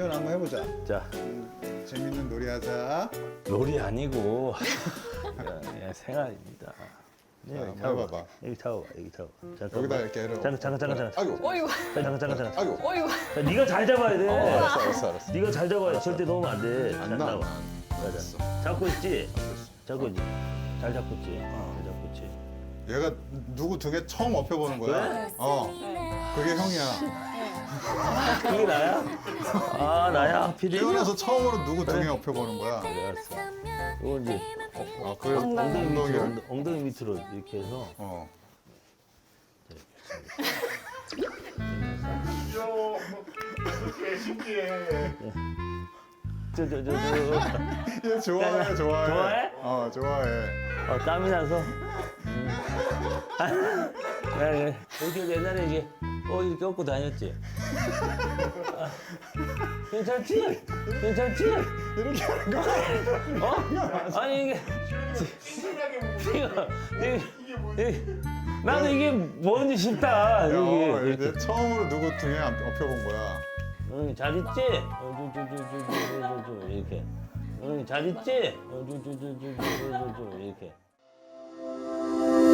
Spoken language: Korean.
시연 한번 해보자. 자, 재밌는 놀이하자. 롤이 아니고 그냥 생활입니다. 네, 한번 타고 해봐봐. 여기 타고 여기 타고. 여기다 이렇게 해라. 잠깐. 아이고. 어이구, 잠깐. 아이고. 어이구. 자, 네가 잘 잡아야 돼. 알았어. 네가 잘 잡아야 돼. 절대 놓으면 안 돼. 안 잘 나. 잡아. 맞아. 잡고 있지. 잡고 있지. 잘 잡고 있지. 잘 잡고 있지. 얘가 누구 등에 처음 업혀보는 거야. 그래? 그게 형이야. 그게 나야? 아, 나야. PD. 태어나서 처음으로 누구 등에 업혀보는 거야. 알았어. 이거 이제 그래. 엉덩이를. 엉덩이 밑으로 이렇게 해서. 신기해. 저. 얘 좋아해. 좋아해? 좋아해. 땀이 나서. 그래. 이렇게 옛날에 이게 이렇게 업고 다녔지. 괜찮지? 이렇게 하는 거야. 아니 이게 나도 이게 뭔지 싶다. 이게 이제 처음으로 누구 등에 업혀본 거야. 응, 잘 있지? 이렇게. 응, 잘 있지? 이렇게.